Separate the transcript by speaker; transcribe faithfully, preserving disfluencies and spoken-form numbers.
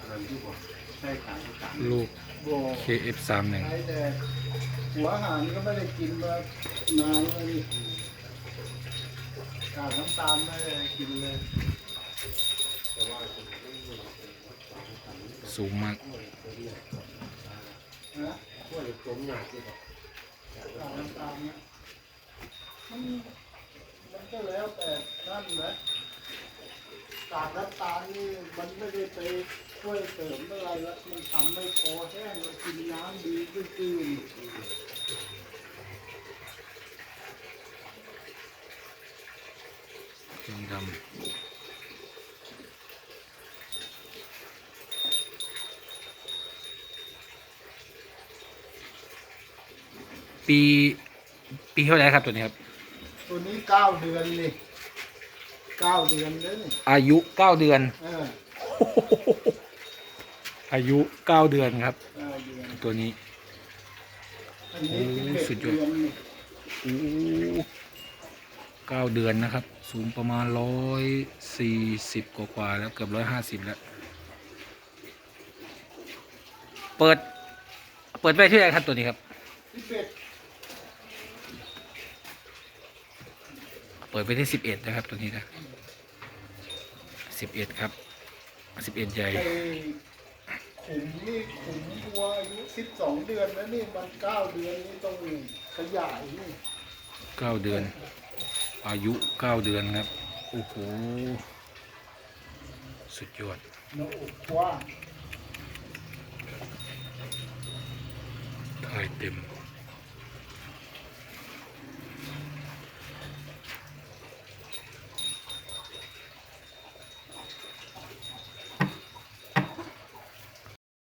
Speaker 1: ลูก เค เอฟ สามหนึ่ง
Speaker 2: แต่หัวอาหารก็ไม่ได้กินมานานเลยขาดน้ำตาลไม่ได้กินเลย
Speaker 1: สูงมาก
Speaker 2: นะพวกต้มหนักที่แบบขาดน้ำตาลเนี่ยมันมันก็แล้วแต่นั่นแหละขาดน้ำตาลนี่มันไม่ได้ไปช่วยเสริมอะไรแล้วมันทำให้คอแห้งแล้วกินน้ำดีขึ้น
Speaker 1: เครื่องดำปีปีเท่าไหร่ครับตัวนี้ครับ
Speaker 2: ตัวนี้เก้าเดือนนี่เก้าเดือนเลยนี่
Speaker 1: อายุเก้าเดือน
Speaker 2: เออ
Speaker 1: อายุเก้าเดือนครับ
Speaker 2: เก้าเดือน
Speaker 1: ตัวนี้
Speaker 2: อันนี้สิบเอ็ด
Speaker 1: สุดยอด
Speaker 2: เดือนนี่
Speaker 1: โอ้เก้าเดือนนะครับ สูงประมาณร้อยสี่สิบกว่าๆแล้วเกือบร้อยห้าสิบแล้ว เปิด เปิดไว้ที่ไหนครับตัวนี้ครับ
Speaker 2: สิบเอ็ด
Speaker 1: เปิดไปที่สิบเอ็ดนะครับตัวนี้นะสิบเอ็ดครับสิบเอ็ดใหญ่
Speaker 2: ไอ้ขุมนี่ขุมวัวอายุสิบสองเดือนแล้วนี่มันเก้าเดือนนี่ต้องขยายนี่
Speaker 1: เก้าเดือน อายุเก้าเดือนครับ โอ้โห สุดยอด
Speaker 2: หน้าอกกว้าง
Speaker 1: ถ่ายเต็ม